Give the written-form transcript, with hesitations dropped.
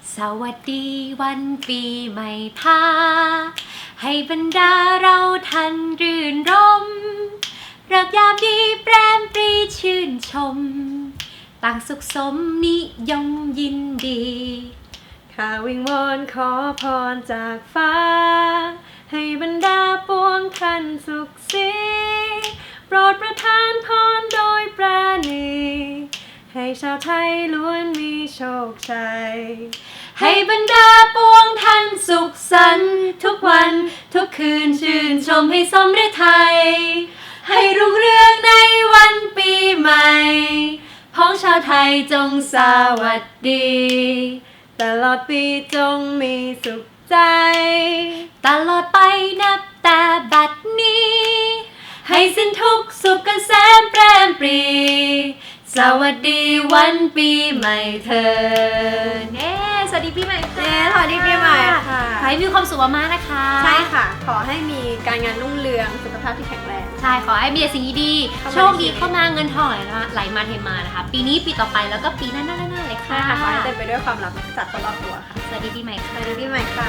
สวัสดีวันปีใหม่พาให้บรรดาเราทันรื่นรมเริกยามดีแปรมปรีชื่นชมต่างสุขสมนิยมยินดีข้าวิงวอนขอพรจากฟ้าให้บรรดาปวงท่านสุขสีโปรดประทานพรโดยปราณีให้ชาวไทยล้วนมีโชคชัยให้บรรดาปวงท่านสุขสันต์ทุกวันทุกคืนชื่นชมให้สมฤทัยให้รุ่งเรืองในวันปีใหม่พ้องชาวไทยจงสวัสดีตลอดปีจงมีสุขใจตลอดไปนับแต่บัดนี้ให้สิ้นทุกข์สุขเกษมแปรมปรีสวัสดีวันปีใหม่เธอสวัสดีปีใหม่ค่ะสวัสดีปีใหม่ค่ะขอให้มีความสุขมากๆนะคะใช่ค่ะขอให้มีการงานรุ่งเรืองสุขภาพที่แข็งแรงใช่ขอให้มีแต่สิ่งดีๆโชคดีเข้ามาเงินทองไหลมาเทมานะคะปีนี้ปีต่อไปแล้วก็ปีหน้าๆเลยค่ะขอให้เต็มไปด้วยความรักจากคนรอบตัวค่ะสวัสดีปีใหม่ค่ะสวัสดีปีใหม่ค่ะ